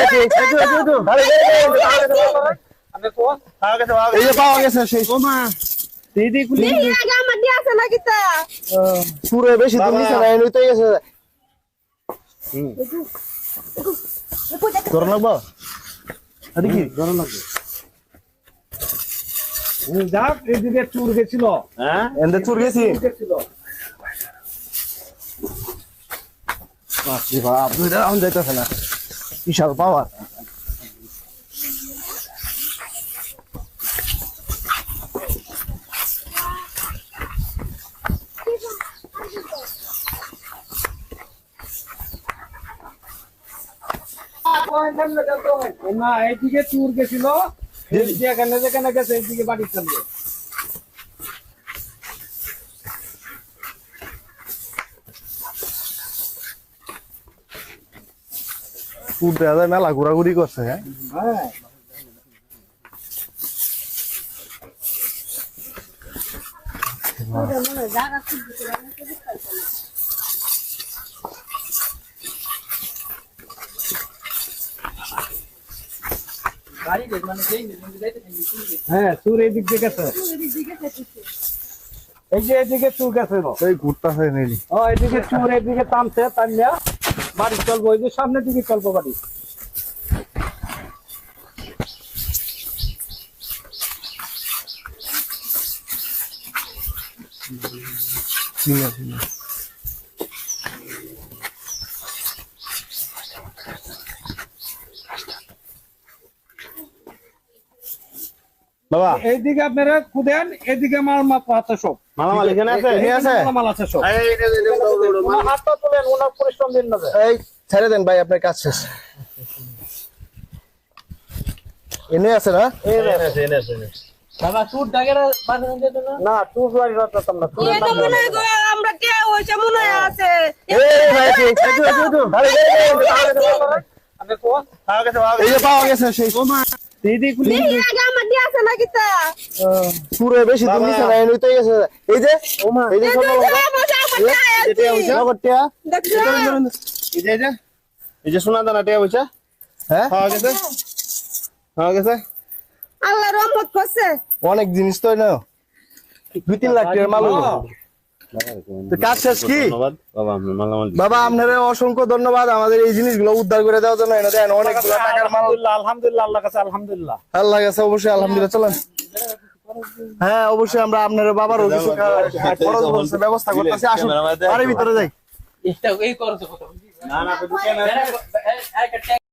এই যে পাওয়া গেছে সেই দিদি কুলি আগে আমার দিয়ে আছে নাকি তা সুরে বেশি দিন নিছে না এমনিতেই গেছে গরম লাগবে আরে কি গরম লাগবে যাক এদিকে চুর গেছিল হ্যাঁ এন্ডে চুর গেছি বাপরে বাপ দুইটা রাউন্ড যাইতেছে না বিশাল পাওয়ার না এইদিকে চুর গেছিল যেখানে যেখানে গেছে এইদিকে বাড়ি চলবে চুর দেওয়া যায় মেলা ঘোরাঘুরি করছে হ্যাঁ হ্যাঁ হ্যাঁ চুর এইদিক দিয়ে গেছে এই যে এদিকে চুর গেছে এই ঘুরতেছে নেলি এদিকে চুর এদিকে টানছে টানিয়া বাড়ি চলবো ওই যে সামনের দিকে চলবো বাড়ি ঠিক আছে বাবা এইদিকে আপনারা খুদেন এদিকে মাল মাত্র হাতে সব মালামাল এখানে আছে এখানে আছে মাল আছে সব ওনার হাতটা তুলেন ওনার পরিশ্রম দিন না এই ছেড়ে দেন ভাই আপনার কাজ শেষ এনে আছে না বাবা চুর ডাগেরা বাঁধন দিত না চুর বাড়ি রাখতাম না চুর এটা মনে হয় গো, আমরা কে হইছে মনে হয় আছে এই ভাই আপনি কোন এই যে পাওয়া গেছে সেই দিদি কুলি আগে আমার দিয়ে আছে নাকি তা সুরে বেশি দিন নিছে না এমনিতেই গেছে এই যে এই যে ছোট লগটিয়া দেখছো এই যে সোনা দানা টিয়া হইছে হ্যাঁ পাওয়া গেছে আল্লাহ রহমত করছে অনেক জিনিস তো না 2-3 লাখ টাকার মাল হলো তো কাজ শেষ কি বাবা আপনার অসংখ্য ধন্যবাদ আমাদের এই জিনিসগুলো উদ্ধার করে দেওয়ার জন্য এনে দেন অনেকগুলো টাকার মাল আলহামদুলিল্লাহ আল্লাহ কাছে আলহামদুলিল্লাহ আল্লাহ কাছে অবশ্যই আলহামদুলিল্লাহ চলেন হ্যাঁ অবশ্যই আমরা আপনার বাবারও কিছু খরচ বলছে ব্যবস্থা করতেছি আসুন বাড়ির ভিতরে যাই এটা এই করতে না